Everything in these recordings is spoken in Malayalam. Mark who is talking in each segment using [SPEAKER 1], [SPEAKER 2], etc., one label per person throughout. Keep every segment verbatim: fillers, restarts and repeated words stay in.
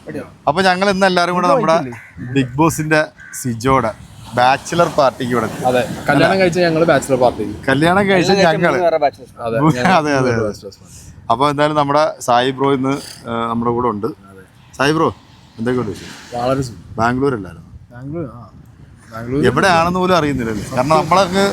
[SPEAKER 1] അപ്പൊ ഞങ്ങൾ ഇന്ന് എല്ലാരും കൂടെ നമ്മുടെ ബിഗ് ബോസിന്റെ സിജോടെ ബാച്ചിലർ പാർട്ടിക്ക് ഇവിടെ
[SPEAKER 2] അതെ കല്യാണം കഴിച്ച ഞങ്ങള് ബാച്ചിലർ പാർട്ടി
[SPEAKER 1] കല്യാണം കഴിച്ച ഞങ്ങള് അതെ അതെ അപ്പൊ എന്തായാലും നമ്മുടെ സായി ബ്രോ ഇന്ന് നമ്മുടെ കൂടെ ഉണ്ട്. സായി ബ്രോ എന്തൊക്കെയുണ്ട് വിഷയം?
[SPEAKER 2] വളരെ
[SPEAKER 1] ബാംഗ്ലൂർ അല്ലായിരുന്നു?
[SPEAKER 2] ബാംഗ്ലൂർ ബാംഗ്ലൂർ
[SPEAKER 1] എവിടെയാണെന്ന് പോലും അറിയുന്നില്ലല്ലേ, കാരണം നമ്മളൊക്കെ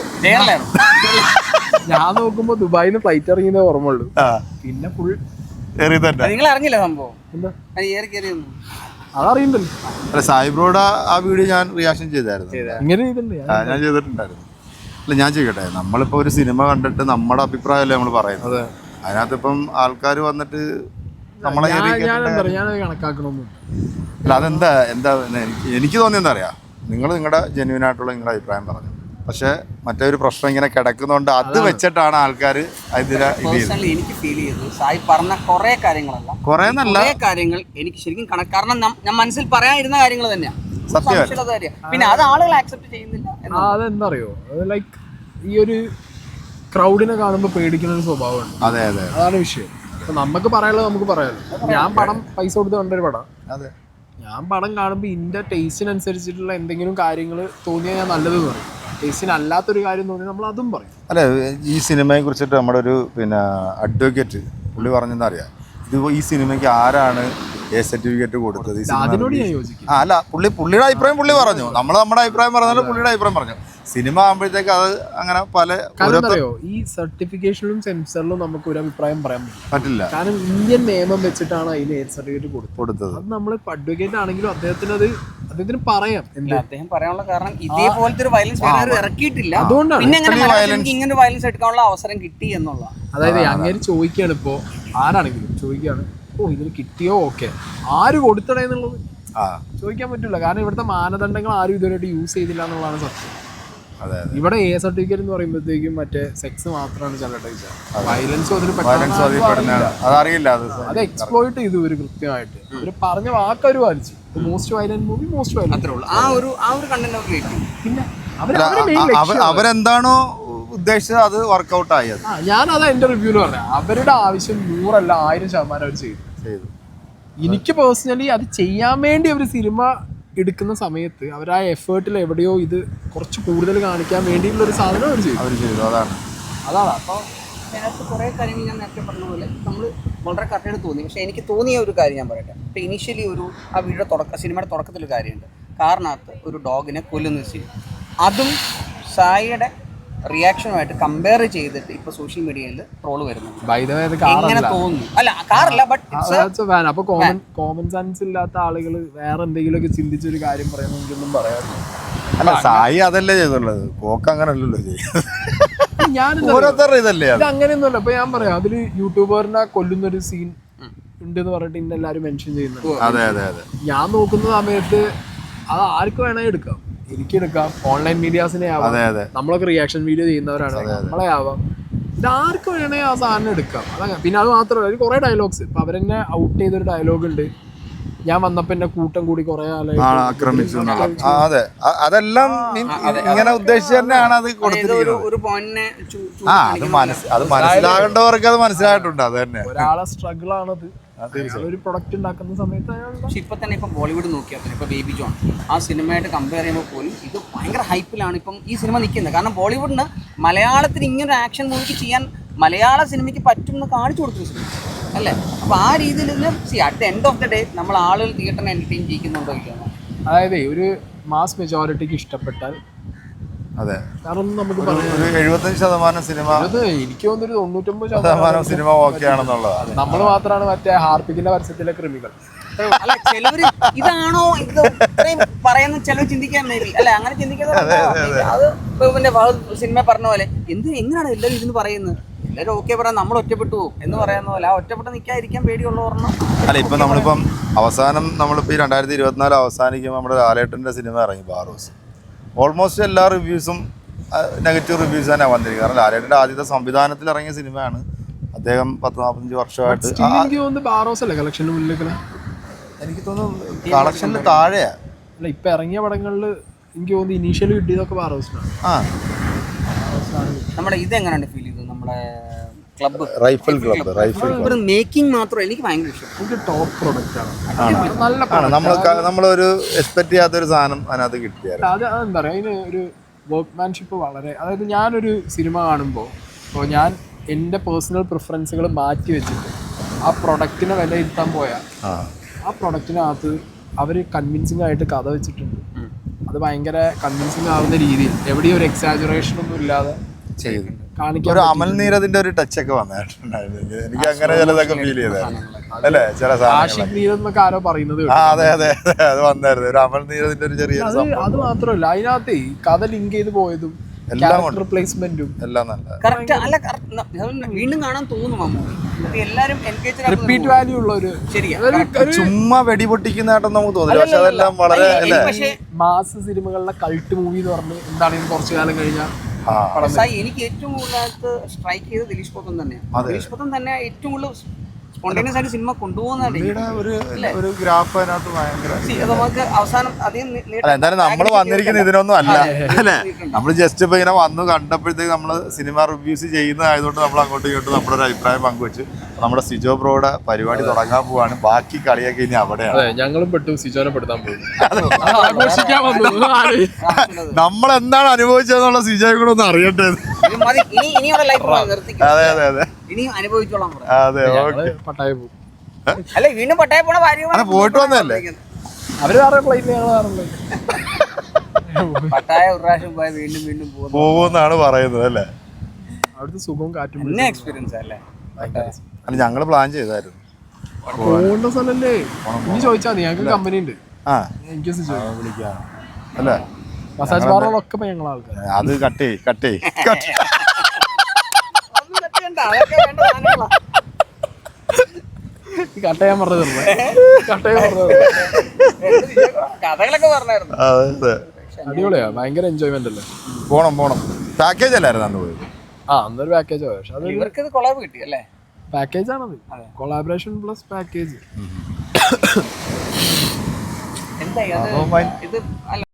[SPEAKER 2] ഞാൻ നോക്കുമ്പോ ദുബായിന്ന് ഫ്ലൈറ്റ് ഇറങ്ങിയതേ ഓർമ്മയുള്ളൂ. പിന്നെ ഫുൾ
[SPEAKER 3] നിങ്ങൾ അറിഞ്ഞില്ല സംഭവം
[SPEAKER 2] എന്താ
[SPEAKER 3] അതറിയണ്ടല്ലോ.
[SPEAKER 1] അല്ല സായി ബ്രോയുടെ ആ വീഡിയോ ഞാൻ റിയാക്ഷൻ ചെയ്തായിരുന്നു,
[SPEAKER 2] ഇങ്ങനെ
[SPEAKER 1] ഞാൻ ചെയ്തിട്ടുണ്ടായിരുന്നു. അല്ല ഞാൻ ചെയ്യട്ടെ, നമ്മളിപ്പോ ഒരു സിനിമ കണ്ടിട്ട് നമ്മുടെ അഭിപ്രായമല്ലേ നമ്മൾ പറയുന്നത്. അതിനകത്ത് ഇപ്പം ആൾക്കാർ വന്നിട്ട് നമ്മളെ
[SPEAKER 2] കണക്കാക്കണമൊന്നും
[SPEAKER 1] അല്ല. അതെന്താ എന്താ എനിക്ക് എനിക്ക് തോന്നിയ എന്താ അറിയാം, നിങ്ങൾ നിങ്ങളുടെ ജെന്യൂൻ ആയിട്ടുള്ള നിങ്ങളുടെ അഭിപ്രായം പറഞ്ഞു, പക്ഷെ മറ്റേ ഒരു പ്രശ്നം ഇങ്ങനെ കിടക്കുന്നതുകൊണ്ട് അത് വെച്ചിട്ടാണ് ആൾക്കാർ ഇതിനെ
[SPEAKER 3] എനിക്ക് ഫീൽ ചെയ്തു. സായി പറഞ്ഞ കുറെ കാര്യങ്ങളല്ല,
[SPEAKER 1] കുറെ നല്ല
[SPEAKER 3] കാര്യങ്ങൾ എനിക്ക് ശരിക്കും കണക്ക്, കാരണം ഞാൻ മനസ്സിൽ പറയാനിരുന്ന കാര്യങ്ങൾ തന്നെയാണ്
[SPEAKER 1] സത്യം.
[SPEAKER 3] പിന്നെ അത് ആളുകൾ ആക്സെപ്റ്റ് ചെയ്യുന്നില്ല.
[SPEAKER 2] അതെന്താ അറിയോ, ലൈക്ക് ഈ ഒരു ക്രൗഡിനെ കാണുമ്പോൾ പേടിക്കുന്ന ഒരു സ്വഭാവമുണ്ട്.
[SPEAKER 1] അതെ അതെ
[SPEAKER 2] അതാണ് വിഷയം. അപ്പൊ നമുക്ക് പറയാനുള്ളത് നമുക്ക് പറയാമല്ലോ. ഞാൻ പടം പൈസ കൊടുത്ത് കണ്ടൊരു പടം,
[SPEAKER 1] അതെ
[SPEAKER 2] ഞാൻ പടം കാണുമ്പോൾ ഇതിന്റെ ടേസ്റ്റിനനുസരിച്ചിട്ടുള്ള എന്തെങ്കിലും കാര്യങ്ങൾ തോന്നിയാൽ ഞാൻ നല്ലത് പറയും, ടേസ്റ്റിന് അല്ലാത്തൊരു കാര്യം തോന്നിയാൽ നമ്മൾ അതും പറയും.
[SPEAKER 1] അല്ലെ, ഈ സിനിമയെ കുറിച്ചിട്ട് നമ്മുടെ ഒരു പിന്നെ അഡ്വക്കേറ്റ് പുള്ളി പറഞ്ഞെന്ന് അറിയാം, ഇത് ഈ സിനിമയ്ക്ക് ആരാണ് എ സർട്ടിഫിക്കറ്റ് കൊടുത്തത്?
[SPEAKER 2] അതിനോട് ഞാൻ യോജിക്കും.
[SPEAKER 1] ആ അല്ല, പുള്ളി പുള്ളിയുടെ അഭിപ്രായം പുള്ളി പറഞ്ഞു, നമ്മൾ നമ്മുടെ അഭിപ്രായം പറഞ്ഞാലും പുള്ളിയുടെ അഭിപ്രായം പറഞ്ഞു. സിനിമ ആകുമ്പോഴത്തേക്ക് അത് അങ്ങനെ പല
[SPEAKER 2] അറിയോ, ഈ സർട്ടിഫിക്കേഷനിലും സെൻസറിലും നമുക്ക് ഒരു അഭിപ്രായം പറയാൻ
[SPEAKER 1] പറ്റില്ല.
[SPEAKER 2] കാരണം ഇന്ത്യൻ നിയമം വെച്ചിട്ടാണ് അതിന് എ സർട്ടിഫിക്കറ്റ്
[SPEAKER 1] കൊടുത്തത്.
[SPEAKER 2] അത് നമ്മൾ അഡ്വക്കേറ്റ് ആണെങ്കിലും അദ്ദേഹത്തിന് അത് അദ്ദേഹത്തിന് പറയാം.
[SPEAKER 3] അദ്ദേഹം പറയാനുള്ള കാരണം ഇതേപോലത്തെ ഒരു വയലൻസ് വേറെ ഇറക്കിയിട്ടില്ല,
[SPEAKER 2] അതുകൊണ്ടാണ്
[SPEAKER 3] ഇങ്ങനെ വയലൻസ് എടുക്കാനുള്ള അവസരം കിട്ടി എന്നുള്ള.
[SPEAKER 2] അതായത് അങ്ങനെ ചോദിക്കുകയാണ്, ഇപ്പോ ആരാണെങ്കിലും ചോദിക്കുകയാണ്, ഓ ഇതിന് കിട്ടിയോ, ഓക്കെ ആര് കൊടുത്തടേ എന്നുള്ളത് ചോദിക്കാൻ പറ്റില്ല. കാരണം ഇവിടുത്തെ മാനദണ്ഡങ്ങൾ ആരും ഇതുവരെയായിട്ട് യൂസ് ചെയ്തില്ല എന്നുള്ളതാണ് സത്യം. ഇവിടെ എ സർട്ടിഫിക്കറ്റ് എന്ന് പറയുമ്പോഴത്തേക്കും മറ്റേ സെക്സ് മാത്രമാണ് ചിലട്ടെ, വയലൻസും അതിന്
[SPEAKER 1] അതറിയില്ല,
[SPEAKER 2] അത് എക്സ്പ്ലോയിറ്റ് ചെയ്തു ഇവര് കൃത്യമായിട്ട്. ഇവര് പറഞ്ഞ വാക്കവര് പാലിച്ചു. Most violent movie most violent, പിന്നെ
[SPEAKER 1] അവരെന്താണോ ഉദ്ദേശിച്ചത് അത് വർക്ക്ഔട്ട് ആയത്.
[SPEAKER 2] ഞാനതാ എന്റെ റിവ്യൂല് പറഞ്ഞത്, അവരുടെ ആവശ്യം നൂറല്ല ആയിരം ശതമാനം അവർ ചെയ്തു. എനിക്ക് പേഴ്സണലി അത് ചെയ്യാൻ വേണ്ടി അവർ സിനിമ എടുക്കുന്ന സമയത്ത് അവർ ആ എഫേർട്ടിൽ എവിടെയോ ഇത് കുറച്ച് കൂടുതൽ കാണിക്കാൻ വേണ്ടിയിട്ടുള്ള ഒരു സാധനം അവർ ചെയ്തു
[SPEAKER 1] അവർ ചെയ്തു അതാണ്
[SPEAKER 2] അതാണ്
[SPEAKER 3] അപ്പോൾ അതിനകത്ത് കുറേ കാര്യങ്ങൾ ഞാൻ നേരത്തെ പറഞ്ഞ പോലെ നമ്മൾ വളരെ കറക്റ്റായിട്ട് തോന്നി. പക്ഷേ എനിക്ക് തോന്നിയ ഒരു കാര്യം ഞാൻ പറയട്ടെ. ഇപ്പോൾ ഇനീഷ്യലി ഒരു ആ വീഡിയോ തുടക്ക സിനിമയുടെ തുടക്കത്തിലൊരു കാര്യമുണ്ട്, കാറിനകത്ത് ഒരു ഡോഗിനെ കൊല്ലുന്ന സീൻ. അതും സായിയുടെ റിയാക്ഷനുമായിട്ട് കമ്പയർ ചെയ്തിട്ട് ഇപ്പൊ സോഷ്യൽ മീഡിയയിൽ ട്രോള് വരുന്നുണ്ട്. എങ്ങനെ തോന്നുന്നു? അല്ല കാറല്ല, ബട്ട്
[SPEAKER 2] അപ്പൊ കോമൺ കോമൺ സെൻസ് ഇല്ലാത്ത ആളുകൾ വേറെ എന്തെങ്കിലും ഒക്കെ ചിന്തിച്ചൊരു കാര്യം പറയുന്നെങ്കിലും പറയാറില്ല.
[SPEAKER 1] അല്ല സായി അതല്ലേ ചെയ്തുള്ളത്, കോക്ക് അങ്ങനെ അല്ലല്ലോ
[SPEAKER 2] ഞാൻ ഇത് അങ്ങനെയൊന്നുമല്ല. ഇപ്പൊ ഞാൻ പറയാം, അതില് യൂട്യൂബറിനെ കൊല്ലുന്നൊരു സീൻ ഉണ്ടെന്ന് പറഞ്ഞിട്ട് ഇന്ന് എല്ലാവരും മെൻഷൻ ചെയ്യുന്നുണ്ട്. ഞാൻ നോക്കുന്ന സമയത്ത് അത് ആർക്ക് വേണേ എടുക്കാം, എനിക്കെടുക്കാം, ഓൺലൈൻ മീഡിയാസിനെ ആവാം, നമ്മളൊക്കെ റിയാക്ഷൻ വീഡിയോ ചെയ്യുന്നവരാണ്, നമ്മളെ ആവാം, ഇതാർക്ക് വേണേ ആ സാധനം എടുക്കാം. അതങ്ങനെ. പിന്നെ അത് മാത്രമല്ല, ഒരു കുറെ ഡയലോഗ്സ് ഇപ്പൊ അവരെന്നെ ഔട്ട് ചെയ്തൊരു ഡയലോഗ് ഉണ്ട്, ഞാൻ വന്നപ്പോ എന്നെ കൂട്ടം കൂടി കുറെ
[SPEAKER 1] ആക്രമിച്ചു. അതെ, അതെല്ലാം ഇങ്ങനെ ഉദ്ദേശിച്ച് തന്നെയാണ് അത് കൊടുത്തിരിക്കുന്നത്. അത് മനസ്സിലാകേണ്ടവർക്ക് അത് മനസ്സിലായിട്ടുണ്ട്. അത് തന്നെ
[SPEAKER 2] ഒരാളെ സ്ട്രഗിൾ ആണത്, ഒരു പ്രൊഡക്റ്റ് ഉണ്ടാക്കുന്ന സമയത്ത്.
[SPEAKER 3] പക്ഷെ ഇപ്പൊ തന്നെ ഇപ്പൊ ബോളിവുഡ് നോക്കിയാൽ തന്നെ ഇപ്പൊ ബേബി ജോൺ ആ സിനിമയായിട്ട് കമ്പയർ ചെയ്യുമ്പോൾ പോലും ഇത് ഭയങ്കര ഹൈപ്പിലാണ് ഇപ്പം ഈ സിനിമ നിൽക്കുന്നത്. കാരണം ബോളിവുഡിന് മലയാളത്തിൽ ഇങ്ങനെ ആക്ഷൻ മൂവിക്ക് ചെയ്യാൻ മലയാള സിനിമയ്ക്ക് പറ്റും എന്ന് കാണിച്ചു കൊടുത്തു സിനിമ അല്ലേ. അപ്പൊ ആ രീതിയിൽ see at the end of the day നമ്മൾ ആളുകൾ തിയേറ്ററിനെ എന്റർടൈൻ ചെയ്യിക്കുന്നുണ്ടോ?
[SPEAKER 2] അതായത് ഒരു മാസ് മെജോറിറ്റിക്ക് ഇഷ്ടപ്പെട്ടാൽ
[SPEAKER 1] അതെ,
[SPEAKER 2] കാരണം നമുക്ക്
[SPEAKER 1] എഴുപത്തഞ്ച് ശതമാനം സിനിമ,
[SPEAKER 2] എനിക്ക് തോന്നുന്നൊരു തൊണ്ണൂറ്റൊമ്പത്
[SPEAKER 1] ശതമാനം സിനിമ ഓക്കെ ആണെന്നുള്ളതാണ്.
[SPEAKER 2] നമ്മൾ മാത്രമാണ് മറ്റേ ഹാർപ്പിക്കിന്റെ പരസ്യത്തിലെ കൃമികൾ.
[SPEAKER 3] അല്ല ചിലവര് ഇതാണോ ഇത് പറയുന്ന ചിലവ് ചിന്തിക്കാൻ മേ ബി അല്ലെ, അങ്ങനെ ചിന്തിക്കുന്നത് അത് പിന്നെ സിനിമ പറഞ്ഞ പോലെ എന്ത് എങ്ങനെയാണ് എല്ലാവരും ഇതിന് പറയുന്നത്, എല്ലാവരും ഓക്കെ പറയാൻ നമ്മൾ ഒറ്റപ്പെട്ടു പോകും എന്ന് പറയുന്ന പോലെ ആ ഒറ്റപ്പെട്ട് നിൽക്കാതിരിക്കാൻ പേടിയുള്ള ഓർമ്മ.
[SPEAKER 1] അല്ല ഇപ്പൊ നമ്മളിപ്പം അവസാനം നമ്മളിപ്പോ ഈ രണ്ടായിരത്തി ഇരുപത്തിനാല് അവസാനിക്കുമ്പോൾ നമ്മുടെ ലാലേട്ടന്റെ സിനിമ ഇറങ്ങി ബാറോസ്. ഓൾമോസ്റ്റ് എല്ലാ റിവ്യൂസും നെഗറ്റീവ് റിവ്യൂസ് തന്നെ വന്നിരിക്കും. കാരണം ലാലേട്ടൻ്റെ ആദ്യത്തെ സംവിധാനത്തിൽ ഇറങ്ങിയ സിനിമയാണ്. അദ്ദേഹം പത്ത് നാൽപ്പത്തഞ്ച് വർഷമായിട്ട് എനിക്ക് തോന്നുന്നു കളക്ഷനിൽ താഴെയാ.
[SPEAKER 2] അല്ല ഇപ്പൊ ഇറങ്ങിയ പടങ്ങളിൽ എനിക്ക് തോന്നുന്നു ഇനീഷ്യലി കിട്ടിയതൊക്കെ ബാറോസിനാണ്.
[SPEAKER 1] ആ
[SPEAKER 3] നമ്മുടെ ഇത് എങ്ങനെയാണ് ഫീൽ ചെയ്തത്? നമ്മുടെ ക്ലബ്ബ്
[SPEAKER 1] റൈഫിൾ ക്ലബ്ബ് റൈഫിൾ
[SPEAKER 3] ഒരു മേക്കിംഗ് മാത്രം എനിക്ക് ഭയങ്കര ഇഷ്ടം.
[SPEAKER 2] നമുക്ക് ടോപ്പ് പ്രൊഡക്റ്റ് ആണ്. നല്ല
[SPEAKER 1] ആണ്. നമ്മൾ നമ്മളൊരു എക്സ്പെക്ട് ചെയ്യാത്തൊരു സാധനം അതിനകത്ത് കിട്ടിയായിരുന്നു.
[SPEAKER 2] അത് അതെന്താ പറയുക, അതിന് ഒരു വർക്ക്മാൻഷിപ്പ് വളരെ, അതായത് ഞാനൊരു സിനിമ കാണുമ്പോൾ ഇപ്പോൾ ഞാൻ എൻ്റെ പേഴ്സണൽ പ്രിഫറൻസുകൾ മാറ്റി വെച്ചിട്ട് ആ പ്രൊഡക്റ്റിനെ വിലയിരുത്താൻ പോയാൽ ആ പ്രൊഡക്റ്റിനകത്ത് അവർ കൺവിൻസിങ് ആയിട്ട് കഥ വെച്ചിട്ടുണ്ട്. അത് ഭയങ്കര കൺവിൻസിങ് ആവുന്ന രീതിയിൽ എവിടെയും ഒരു എക്സാജുറേഷൻ ഒന്നും ഇല്ലാതെ
[SPEAKER 1] ചെയ്തിട്ടുണ്ട്.
[SPEAKER 2] കാണിക്കാൻ
[SPEAKER 1] ഒരു അമൽ നീരദിന്റെ ഒരു ടച്ച് ഒക്കെ വന്നിട്ടുണ്ടായിരുന്നു. എനിക്ക് അങ്ങനെ ചിലതൊക്കെ ഫീൽ ചെയ്തായിരുന്നു അല്ലേ, ചില
[SPEAKER 2] ആഷിഖ് നീരദ് എന്നൊക്കെ ആരോ പറയുന്നത്.
[SPEAKER 1] ആ അതെ അതെ അതെ അത് വന്നായിരുന്നു. ഒരു അമൽ നീരദിന്റെ ഒരു ചെറിയ
[SPEAKER 2] അത് അത് മാത്രമല്ല, അതിനകത്ത് കഥ ലിങ്ക് ചെയ്ത് പോയതും
[SPEAKER 1] എല്ലാം
[SPEAKER 2] റിപ്ലേസ്മെന്റും
[SPEAKER 1] എല്ലാം നല്ല
[SPEAKER 3] കറക്റ്റ് അല്ല, വീണ്ടും കാണാൻ തോന്നും അമ്മ. എല്ലാരും എൻഗേജ്
[SPEAKER 2] റിപ്പീറ്റ് വാല്യൂ ഉള്ള ഒരു
[SPEAKER 3] ശരിയാ.
[SPEAKER 1] ചുമ്മാ വെടി പൊട്ടിക്കുന്നതായിട്ടൊന്നും നമുക്ക് തോന്നില്ല. പക്ഷെ അതെല്ലാം വളരെ അല്ലേ
[SPEAKER 2] മാസ് സിനിമകളിലെ കൾട്ട് മൂവി എന്ന് പറഞ്ഞ് എന്താണെങ്കിലും കുറച്ചു കാലം കഴിഞ്ഞാൽ
[SPEAKER 3] എനിക്ക് ഏറ്റവും കൂടുതലായിട്ട് സ്ട്രൈക്ക് ചെയ്ത് ദിലീഷ് പോത്തൻ തന്നെയാണ്. ദിലീഷ് പോത്തൻ തന്നെ ഏറ്റവും കൂടുതൽ സ്പോണ്ടേനിയസ് ആയിട്ട് സിനിമ കൊണ്ടുപോകുന്നതാണ്.
[SPEAKER 1] ഒരു ഗ്രാഫ് അതിനകത്ത് ഭയങ്കര.
[SPEAKER 3] നമുക്ക് അവസാനം അധികം
[SPEAKER 1] അല്ല എന്തായാലും നമ്മൾ വന്നിരിക്കുന്നത് ഇതിനൊന്നും അല്ല അല്ലേ. നമ്മൾ ജസ്റ്റ് ഇപ്പൊ ഇങ്ങനെ വന്നു കണ്ടപ്പോഴത്തേക്ക് നമ്മൾ സിനിമ റിവ്യൂസ് ചെയ്യുന്നതായതുകൊണ്ട് നമ്മൾ അങ്ങോട്ടും ഇങ്ങോട്ടും നമ്മുടെ ഒരു അഭിപ്രായം പങ്കുവെച്ച് നമ്മുടെ സിജോ ബ്രോയുടെ പരിപാടി തുടങ്ങാൻ പോവാണ്. ബാക്കി കളിയൊക്കെ ഇനി അവിടെയാണ്.
[SPEAKER 2] ഞങ്ങളും പെട്ടു, സിജോനെ പെടുത്താൻ പോകും.
[SPEAKER 1] നമ്മൾ എന്താണ് അനുഭവിച്ചതെന്നുള്ള സിജോയെ കൂടെ ഒന്ന് അറിയട്ടെ. അതെ അതെ അതെ
[SPEAKER 3] ഇനിയും അനുഭവിച്ചോളാം.
[SPEAKER 1] അതെ
[SPEAKER 2] പട്ടായ പോകും.
[SPEAKER 3] അല്ല വീണ്ടും പട്ടായ പോണ ഭാര്യ
[SPEAKER 1] പോയിട്ട് വന്നല്ലേ
[SPEAKER 2] അവര് വേറെ ഫ്ലൈറ്റ്, ഞങ്ങൾ വേറെ ഫ്ലൈറ്റ്.
[SPEAKER 3] പട്ടായ ഒരു പ്രാവശ്യം പോയാൽ വീണ്ടും വീണ്ടും
[SPEAKER 1] പോകുമെന്നാണ് പറയുന്നത് അല്ലേ.
[SPEAKER 2] അവിടുത്തെ സുഖവും കാറ്റും
[SPEAKER 3] പിന്നെ എക്സ്പീരിയൻസ് അല്ലേ.
[SPEAKER 1] അല്ല ഞങ്ങള് പ്ലാൻ ചെയ്തായിരുന്നു
[SPEAKER 2] പോകേണ്ട സ്ഥലല്ലേ. ഇനി ചോദിച്ചാൽ മതി, ഞങ്ങൾക്ക് കമ്പനി ഉണ്ട്.
[SPEAKER 1] ആ
[SPEAKER 2] എനിക്ക്
[SPEAKER 1] വിളിക്കാം അല്ലേ.
[SPEAKER 2] മസാജ് പാർലറൊക്കെ ഇപ്പൊ ഞങ്ങളെ ആൾക്കാർ.
[SPEAKER 1] അത് കട്ടേ കട്ടേ
[SPEAKER 2] കട്ട് ചെയ്യാൻ പറഞ്ഞത് കട്ട് ചെയ്യാൻ പറഞ്ഞത്
[SPEAKER 3] കഥകളൊക്കെ പറഞ്ഞായിരുന്നു.
[SPEAKER 2] അടിപൊളിയാ, ഭയങ്കര എൻജോയ്മെന്റ് അല്ലേ.
[SPEAKER 1] പോണം പോണം. പാക്കേജ് അല്ലായിരുന്നു അന്ന് പോയത്.
[SPEAKER 2] ആ അന്നൊരു പാക്കേജ് പോയ, പക്ഷെ അത്
[SPEAKER 3] ഇവർക്ക് ഇത് കൊളാബ് കിട്ടി അല്ലേ.
[SPEAKER 2] പാക്കേജ് ആണത്, കൊളാബറേഷൻ പ്ലസ് പാക്കേജ്.
[SPEAKER 3] എന്താ ഇത് അല്ല